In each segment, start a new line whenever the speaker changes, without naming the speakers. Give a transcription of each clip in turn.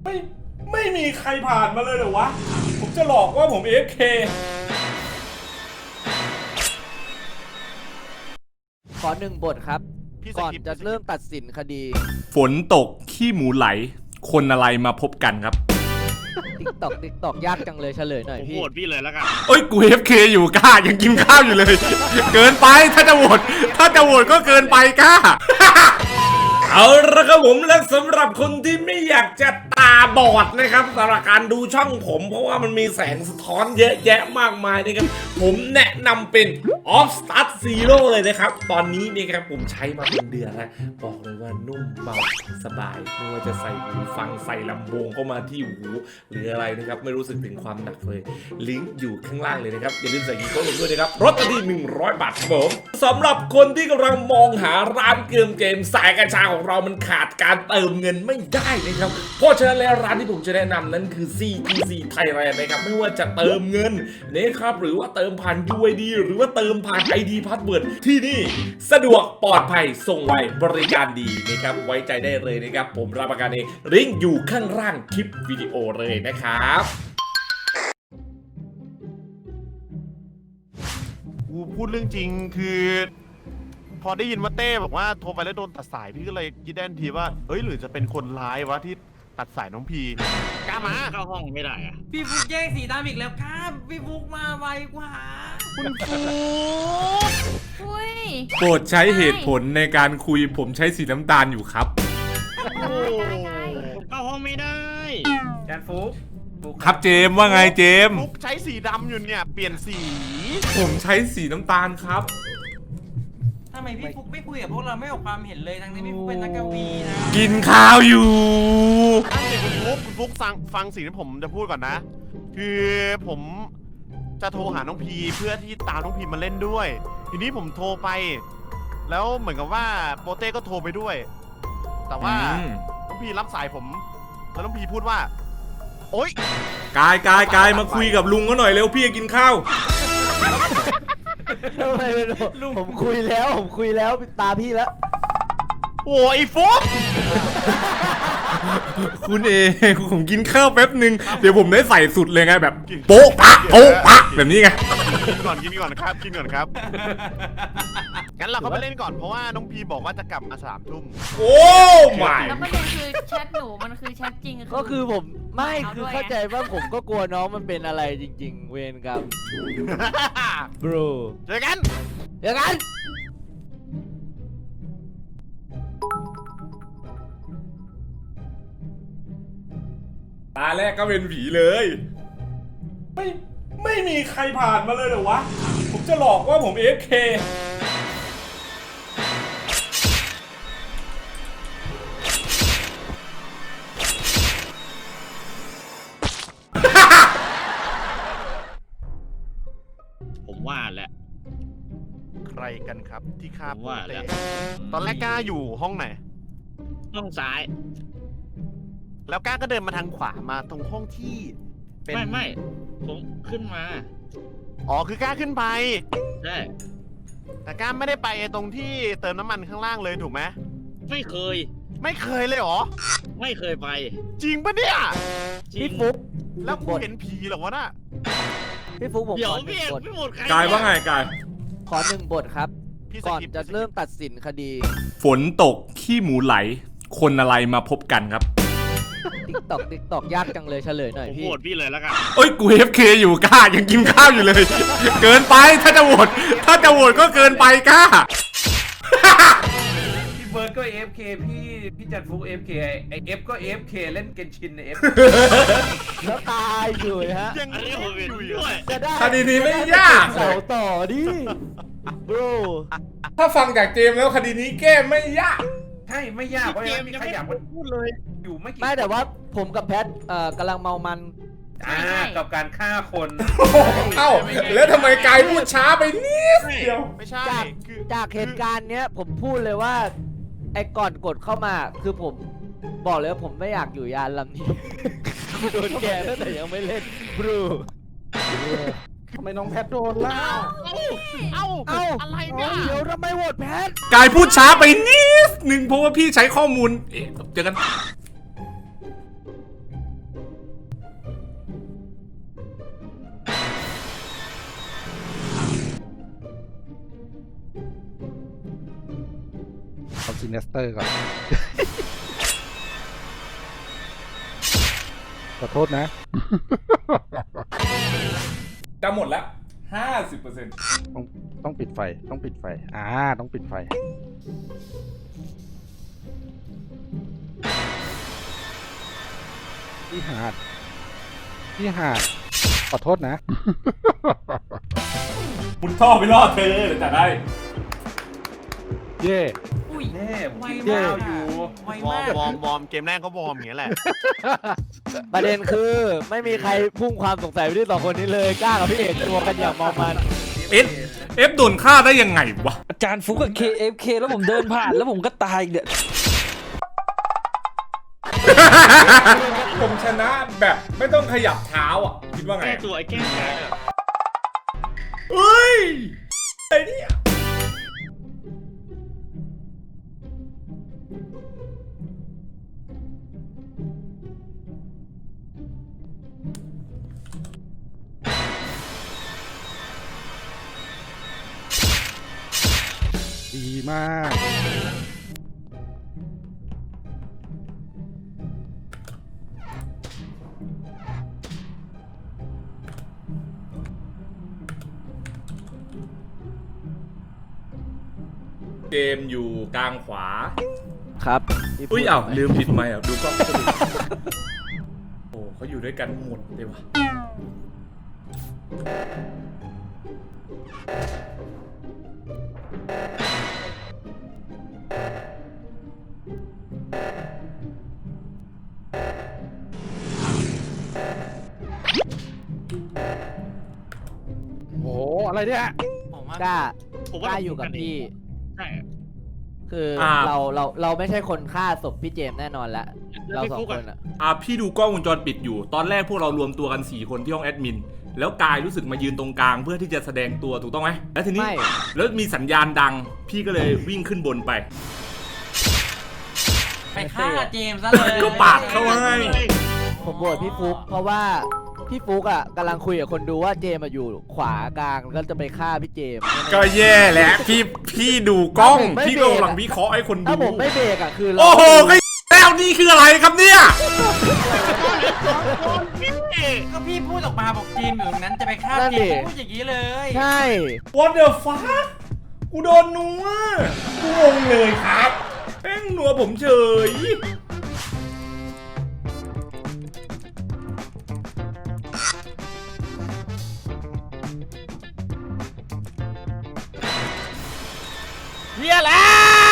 ไม่มีใครผ่านมาเลยเหรอวะผมจะหลอกว่าผม AFK
ขอ1 บทครับก่อนจะเริ่มตัดสินคดี
ฝนตกขี้หมูไหลคนอะไรมาพบกันครับ
ติ๊กตอกยากจังเลยเฉลยหน่อย
ผม
พี่
โหวตพี่เลยแล้วกัน
เอ้ยกู AFK อยู่กล้ายังกินข้าวอยู่เลย เกินไปถ้าจะโหวตก็เกินไปกล้า เอาละครับผมและสำหรับคนที่ไม่อยากจะตาบอดนะครับสำหรับการดูช่องผมเพราะว่ามันมีแสงสะท้อนเยอะแยะมากมายนะครับผมแนะนำเป็น Off Start Zero เลยนะครับตอนนี้นี่ครับผมใช้มาเป็นเดือนแล้วบอกเลยว่านุ่มเบาสบายไม่ว่าจะใส่หูฟังใส่ลำโพงเข้ามาที่หูหรืออะไรนะครับไม่รู้สึกถึงความหนักเลยลิงก์อยู่ข้างล่างเลยนะครับอย่าลืมใส่กีโก้ลงด้วยนะครับลดที่100 บาทครับผมสำหรับคนที่กำลังมองหาร้านเกมสายกัญชาของเรามันขาดการเติมเงินไม่ได้นะครับเพราะฉะนั้นแล้วร้านที่ผมจะแนะนำนั้นคือ CTC Thailand นะครับไม่ว่าจะเติมเงินนะครับหรือว่าเติมผ่าน UID หรือว่าเติมผ่าน ID Password ที่นี่สะดวกปลอดภัยส่งไวบริการดีนะครับไว้ใจได้เลยนะครับผมรับประกันเองลิงก์อยู่ข้างล่างคลิปวิดีโอเลยนะครับ
กูพูดเรื่องจริงคือพอได้ยินว่าเต้บอกว่าโทรไปแล้วโดนตัดสายพี่ก็เลยคิดได้ทันทีว่าเฮ้ยหรือจะเป็นคนร้ายวะที่ตัดสายน้องพีกล้ามา
เข้าห้องไม่ได้อะ
พี่ฟุกแย่งสีดำอีกแล้วครับพี่ฟุกมาไวกว่า
คุณฟู
อุ้ย
โปรดใช้เหตุผลในการคุยผมใช้สีน้ำตาลอยู่ครับ
ผมเข้าห้องไม่ได้
แจนฟุก
ครับเจมส์ว่าไงเจมส์
ฟุกใช้สีดำอยู่เนี่ยเปลี่ยนสี
ผมใช้สีน้ำตาลครับ
ทำไมพี่ฟุกไม่คุยกับพวกเราไม่ออกความเห็นเลยทั้งที่พี่ฟุกเป็นนักกวีนะ
กินข้าวอยู่
ตั้งแต่คุณฟุกฟังสิ่งที่ผมจะพูดก่อนนะ คือผมจะโทรหาน้องพีเพื่อที่ตามน้องพีมาเล่นด้วย ทีนี้ผมโทรไป แล้วเหมือนกับว่าโปเต้ก็โทรไปด้วย แต่ว่าน้องพีรับสายผมแล้วน้องพีพูดว่าโอ๊ย
กายมาคุยกับลุงก็หน่อยเร็วพี่จะกินข้าว
ทำไมผมคุยแล้วตาพี่แล้ว
โอ้ยฟุก
คุณเอผมกินข้าวแป๊บนึงเดี๋ยวผมได้ใส่สุดเลยไงแบบโป๊ะปะแบบนี้ไง
กินก่อนครับกินก่อนครับงั้นเราก็ไปเล่นก่อนเพราะว่าน้องพีบอกว่าจะกลับมา3 ทุ่ม
โอ้ไม่
แล้วประเด็นคือแชทหนูมันคือแชทจริง
ก็คือผมไม่
เอา
คือ
ด้วย
เข้าใจว่าผมก็กลัวน้องมันเป็นอะไรจริงๆ เวรกรรม bro
เจอกัน
เดี๋ยวกัน
ตาแรกก็เป็นผีเลยไม่มีใครผ่านมาเลยเหรอวะผมจะหลอกว่าผม AFK
ผมว่าแหละ
ใครกันครับที่ฆ่า
ผมว่าแล้ว
ตอนแรกก้าอยู่ห้องไหน
ห้องซ้าย
แล้วก้าก็เดินมาทางขวามาตรงห้องที่เป็น
ไม่ผมขึ้นมา
อ๋อคือก้าขึ้นไป
ใช่
แต่ก้าไม่ได้ไปตรงที่เติมน้ำมันข้างล่างเลยถูกไหม
ไม่เคย
ไม่เคยเลยเหรอ
ไม่เคยไป
จริงปะเนี่ย
จริง
พี่ฟุก
แล้วกูเห็นผีเหรอวะน่ะ
พี่ฟุกผม
เดี๋ยว
ขอ
พี่เอก
1 บท
พี่หมดใคร
กายว่าไงกาย
ขอ1 บทครับ
พี่ส
ก่อน
กิป
จะเริ่มตัดสินคดี
ฝนตกขี้หมูไหลคนอะไรมาพบกันครับ
ติ๊กตอกยากจังเลยเฉลยหน่อย
ผม
พี่
โหวตพี่เลยแล้วกัน
เอ้ยกู AFK อยู่กล้ายังกินข้าวอยู่เลย เกินไปถ้าจะโหวตก็เกินไปกล้า
พี่เบิร์ดก็ AFK พี่แจนฟุก AFK ไอเอฟก็ AFK เล่นเกนชินในเอฟ
แล้วตายอยู่ฮะ
ยัง
อันนี้ผมเห็นด้วย
จะได้
คดีนี้ไม่ยาก
เสาต่อดิ bro
ถ้าฟังจากเจมส์แล้วคดีนี้แก้ไม่ยาก
ใช่ไม่ยากเพราะ
เก
ยัง
ม
มี
ยัง
ใคร
ไม่
อยาก
พูดเลย
อยู่ไม่กี่
ไม่แต่ว่าผมกับแพทกำลังเมามัน
กับการฆ่าคน
เอ้าแล้วทำไมกายพูดช้าไปนิดเดียว
ไม่ใช่
จาก
คือ
จากเหตุการณ์เนี้ยผมพูดเลยว่า ไอ้ก่อนกดเข้ามาคือผมบอกเลยว่าผมไม่อยากอยู่ยานลำนี้ โดนแกตั้งแต่ยังไม่เล่นบรู
ทำไมน้องแพทโดนล่ะ
เอ้า
เอ้า
อะไรเนี่ย
เดี๋ยวทำไมโหวตแพท
กายพูดช้าไปนิดนึงเพราะว่าพี่ใช้ข้อมูลเจอกัน
ซินเนสเตอร์ก่อน ขอโทษนะ
จะหมดแล้ว 50%
ต้องปิดไฟ ต้องปิดไฟ ต้องปิดไฟ พี่หาด ขอโทษนะ
มุดท่อไปรอดเธอเดี๋ยวจะได้
เย่
อุ้ย
แน่
ไว
ผม
มาก
อยู่
ไว
วอ
มา
ร์ม
ก
วอร์มเกมแรกก็วอร์มอย่างเงี้ยแหละ
ประเด็นคือไม่มีใครพุ่งความสงสัยไปที่สองคนนี้เลยกล้ากับพี่เอกตัวกันอย่างเมามัน
เอฟโดนฆ่าได้ยังไงวะ
อาจารย์ฟุกกับ KFK แล้วผมเดินผ่านแล้วผมก็ตายเนี่ย
ผมชนะแบบไม่ต้องขยับเท้าอ่ะ คิดว่าไง
แก้ตัวไอ้แก้แค้นอะ
เฮ้ยไอ้เนี่ย
ดีมาก
เกมอยู่กลางขวา
ครับ
อุ้ยอ้าวลืมปิดไมค์อ่ะดูกล้องโอ้เขาอยู่ด้วยกันหมดเลยวะ
โอ้โห อะไรเนี่ย
ผมว่าก
ล้า
ผม
ก
ว่า
ล้าอยู่กับพี่
ใช่
คือเราไม่ใช่คนฆ่าศพพี่เจมส์แน่นอนละ
แล้ว
เรา
พี่
สอง
ฟุก
ค
อะ
นอะ
พี่ดูกล้องวงจรปิดอยู่ ตอนแรกพวกเรารวมตัวกัน4คนที่ห้องแอดมิน แล้วกายรู้สึกมายืนตรงกลางเพื่อที่จะแสดงตัวถูกต้องไหมแล้วทีนี้
ไม่
แล้วมีสัญญาณดัง พี่ก็เลยวิ่งขึ้นบนไป
ไปฆ่าเจมส์ซะเลย
ก็ปาดเข้าให้
ผมโหวตพี่ฟุกเพราะว่าพี่ฟุกอ่ะกำลังคุยกับคนดูว่าเจมส์อะอยู่ขวากลางแล้วจะไปฆ่าพี่เจมส์
ก็แย่แหละพี่ดูกล้อง
ไม่
พี่
เบร
ก็
กอะ
กำลังวิเคราะห์ให้คนดู
ถ้าผมไม่เบรกอ่ะคือเรา
โอ้โหก็แล้วนี่คืออะไรครับเนี่ย
ก็พี่พูดออกมาบอกเจมส์อยู่ตรงนั้นจะไปฆ่าเจมส์พูดอย่างนี้เลย
ใช่
What the fuck กูโดนนัวกูงงเลยครับแม่งนัวผมเฉย
เฮียแล้ว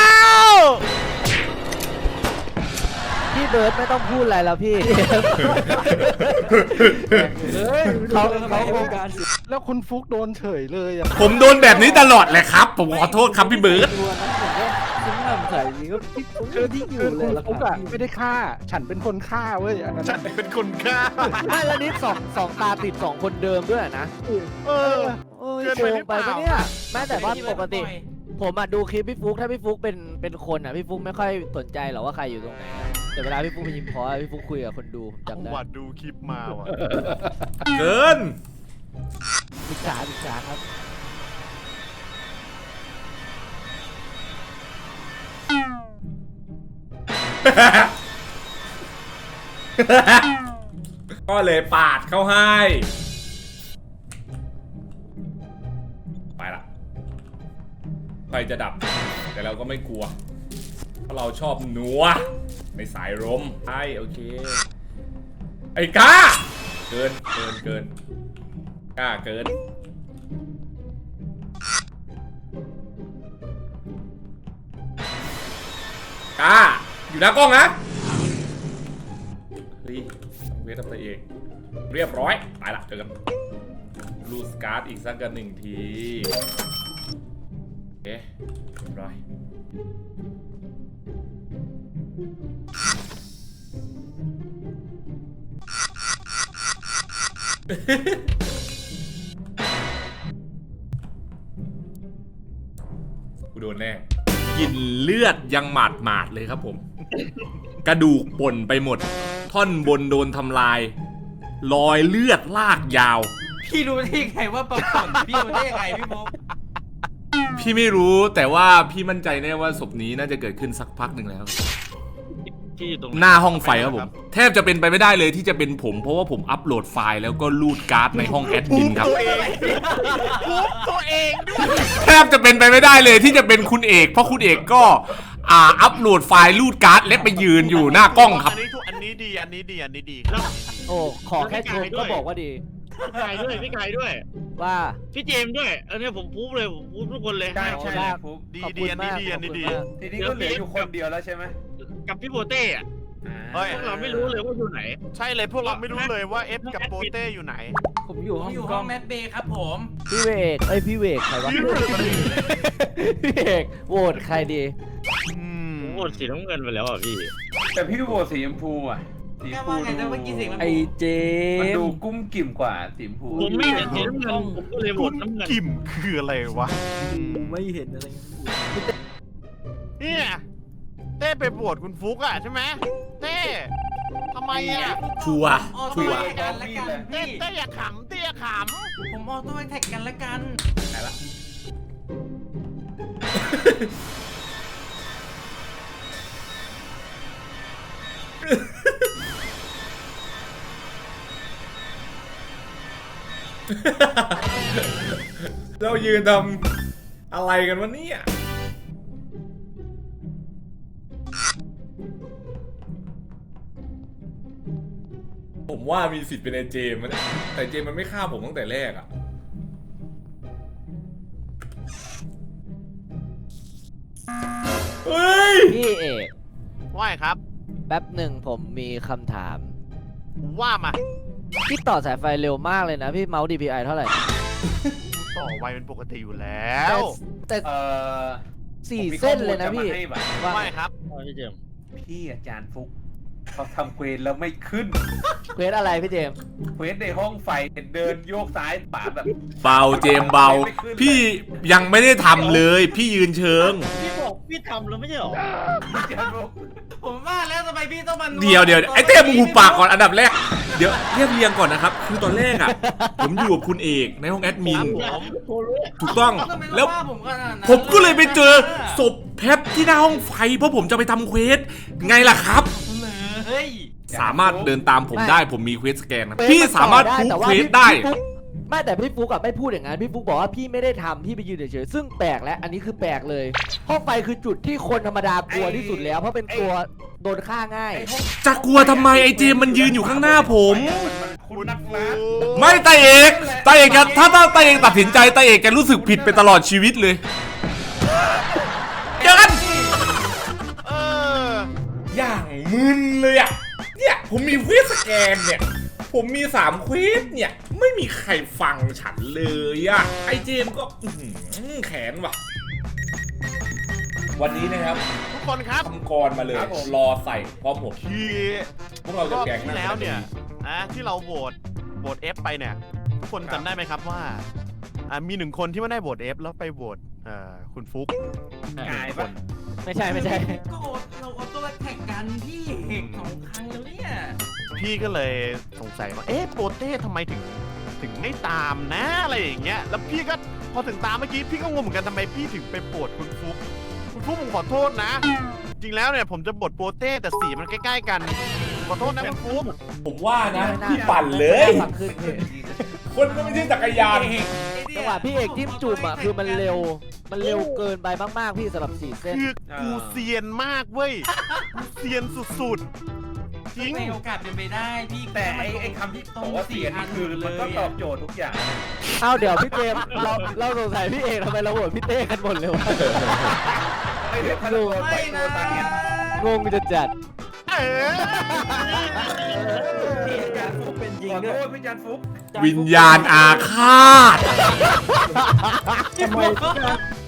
พี่เบิร์ดไม่ต้องพูดอะไรแล้วพี่
เฮ้ย
เขาคง
แล้วคุณฟุกโดนเฉยเลยอ่ะ
ผมโดนแบบนี้ตลอดเลยครับ ผมขอโทษครับพี่เบิร์ด
ตัวนั้นผมก็คุ้มหนำใส่นี้ก็พี่ฟุกคือที่อยู่เลย
คุณ
แล้ว
ฟุกอ่ะไม่ได้ฆ่า ฉันเป็นคนฆ่าเว้ย อันนั้น
ฉันเป็นคนฆ่า
ไม่แล้วนี่สองตาติดสองคนเดิมด้วยนะ
เออ
โอ้ย
เกิน
โก
ไปห
ง
รือ
ไป
เปล่า
ปะเนี่ยแม้แต่ว่าปกติ ผมอ่ะดูคลิปพี่ฟุกถ้าพี่ฟุกเป็นคนอ่ะพี่ฟุกไม่ค่อยสนใจหรอกว่าใครอยู่ตรงไหนอะแต่เวลาพี่ฟุกไปยิมพอสพี่ฟุกคุยกับคนดูผมจำได้
วัดดูคลิปมาว่ะ
เกิน
ศึกษาครับ
ก็เลยปาดเข้าให้ ไปละไฟจะดับ แต่เราก็ไม่กลัว เพราะเราชอบหนัวในสายลมใช่โอเค ไอ้ก้า เกินก้าเกิน ก้า อยู่หน้ากล้องนะ เฮ้ยเวทตัวเองเรียบร้อยไปละเจอกันลูสการ์ดอีกสักกัน1 ทีโอเคเรียบร้อยกูโดนแน่กินเลือดยังหมาดเลยครับผม กระดูกป่นไปหมด ท่อนบนโดนทำลาย รอยเลือดลากยาว
พี่รู้ได้ยังไงว่าปรากฏพี่รู้ได้ยังไงพี่มุก
พี่ไม่รู้แต่ว่าพี่มั่นใจแน่ว่าศพนี้น่าจะเกิดขึ้นสักพักหนึ่งแล้ว
ที่อยู่ตรง
หน้าห้องไฟครับผมแทบจะเป็นไปไม่ได้เลยที่จะเป็นผมเพราะว่าผมอัปโหลดไฟล์แล้วก็ลูดการ์ดในห้องแอดมินครับ
ตัวเองด้วย
แทบจะเป็นไปไม่ได้เลยที่จะเป็นคุณเอกเพราะคุณเอกก็อัปโหลดไฟล์ลูดการ์ดและไปยืนอยู่หน้ากล้องครับ
อันนี้ดีอันนี้ดีอันนี้ดี
โอ้ขอแค่ชมก็บอกว่าดี
พี่ไก่ด้วยพี่ไก่ด้วย
ว่า
พี่เจมส์ด้วยอันนี้ผมพูดเลยผมพูดทุกคนเลย
ใช่ใช่
ได้
ฟุก
ดี
ขอบ
ดี
คุณ
อัน
มา
นี้
ก
ดีอันนี้ดี
ขอบคุณมาก
ทีนี้ก็เหลืออยู่คนเดียวแล้วใช่ไหม
กับพี่โบเต้อะ
เฮ้ย
พวกเราไม่รู้เลยว่าอยู่ไหไหน
ใช่เลยพวกเราไม่รู้เลยว่าเอฟกับโปเต้อยู่ไหน
ผมอยู่
ผม
ห้อง
อยู่
ก
ห้
ล้
อ
อง ง
แมทเบย์ครับผม
พี่เวกพี่เวกใครวะ พี่เอกโหวตใครดี
ผมโหวตสีน้ำเงินไปแล้วอ่ะพี่
แต่พี่โหวตสีชมพูอ่ะสีช
แค่
มพู
ว่าไงนะเมื่อกี้เสียงมัน
ไอเจ
มัน
ม
ดู
ส์
กุ้มกิ่มกว่าสีชมพู
ผมไม่เห็นสีน้ำเงินผมก็เลยโหวตน้ำเงิน
กิ่มคืออะไรวะ
ไม่เห็นอะไร
เนี่ยเต้ไปบวชคุณฟุกอะใช่ไหมเต้ทำไมอะ
ชัวร์
ออ
ชั
โต้
วร์
แท็กกันละกัน
เต้
พี่
เต้อย่าขำเต้อย่าข
ผมออโต้แท็กกันละกัน
เรายืนทำอะไรกันวะเนี่ยผมว่ามีสิทธิ์เป็นไอเจมส์นะแต่เจมส์มันไม่ฆ่าผมตั้งแต่แรกอะเฮ้ย
พี่เอก
ำว่าไงครับ
แป๊บหนึ่งผมมีคำถาม
ว่ามา
พี่ต่อสายไฟเร็วมากเลยนะพี่เมาส์ DPI เท่าไหร่
ต่อไวเป็นปกติอยู่แล้ว
แต่
อ
สี่เส้นเลยนะพี่
ผมมีข้อมูลจะมาให้
ว่าไงครับ
พี่เจมส์
พี่อาจารย์ฟุกเขาทำเควสแล้วไม่ขึ้น
เควสอะไรพี่เจมส์
เควสในห้องไฟเดินโยกซ้ายขวาแบบ
เบาเจมส์เบา พี่ยังไม่ได้ทำเลย พี่ยืนเชิง
พี่บอกพี่ทำแล้วไม่ใช่หรอ
อาจารย์ฟุก
ผมว่าแล้วทำไมพี่ต้องมัน
เดี๋ยวไอ้เต้มึงหูปากก่อนอันดับแรกเดี๋ยวเรียบเรียงก่อนนะครับคือตอนแรกอะผมอยู่กับคุณเอกในห้องแอดมินถูกต้อง
ทำไม
แล้ว
ว่าผมขนาดนั้น
ผมก็เลยไปเจอศพแพทที่หน้าห้องไฟเพราะผมจะไปทำเควสไงล่ะครับ
เฮ้ย
สามารถเดินตามผมได้ผมมีเควสสแกนนะพี่สามารถพูดเควสได้
ไม่แต่พี่ฟุกอะไม่พูดอย่างนั้นพี่ฟุกบอกว่าพี่ไม่ได้ทำพี่ไปยืนเฉยๆซึ่งแปลกแล้วอันนี้คือแปลกเลยห้องไฟคือจุดที่คนธรรมดากลัวที่สุดแล้วเพราะเป็นตัวโดนฆ่าง่าย
จะกลัวทำไมไอ้เจมส์มันยืนอยู่ข้างหน้าผม
คุณนักล่า
ไม่ตาเอกจะถ้าตาเอกตัดสินใจตาเอกจะรู้สึกผิดไปตลอดชีวิตเลยเจอกัน
เออ
อย่างมึนเลยอ่ะเนี่ยผมมีเควสสแกนเนี่ยผมมี3เควสเนี่ยไม่มีใครฟังฉันเลยอ่ะไอ้เจมส์ก็แขนว่ะวันนี้นะครับ
ทุกคนครับ
ทำกรมาเลยรอใส่พร้อมผม
คือ
พวกเรา
ร
จะ
อบ
แกง
ที่แล้วเนี่ยที่เราโหวต F ไปเนี่ยทุกคนจำได้ไหมครับว่ามี1คนที่ไม่ได้โหวต F แล้วไปโหวตคุณฟุก
กาย
ค
ปะ
น
ไม่ใช่
ก็เราออโต้แท็กกันพี่เอกสองครั้งแล้วเนี่ย
พี่ก็เลยสงสัยว่าโปเต้ทำไมถึงไม่ตามนะอะไรอย่างเงี้ยแล้วพี่ก็พอถึงตามเมื่อกี้พี่ก็งงเหมือนกันทำไมพี่ถึงไปโหวตคุณฟุกผมขอโทษนะ จริงแล้วเนี่ยผมจะบทโปเต้แต่สีมันใกล้ๆกันขอโทษนะคุณฟุก
ผมว่านะพี่ปั่นเลย
ฟังขึ้นพี่
คนก็ไม่ใช่จักรยาน
จังหวะพี่เอกจิ้มจุ่มอ่ะคือมันเร็วเกินไปมากๆพี่สำหรับ4เส้น
คือกูเซียนมากเว้ยกูเซียนสุดๆจริง
ในโอกาสเป็นไปได้พี่
แต่ไอ้คำที่บอกว่าเสียนี่คือมันก็ตอบโจทย์ทุกอย่าง
เอ้าเดี๋ยวพี่เจมส์เราสงสัยพี่เอกทำไมเราโหวตพี่เต้กันหมดเลยวะ
ไม่ได้พะโล้ไป
ไม่
ตั
นะ
วตาเนี่ย
งงจะจัด
เออ
พี่อาจารย์ฟุกเป็นจริงด้วยขอโทษพี่อาจารย์ฟุก
วิญญาณอาฆาต
ทำไม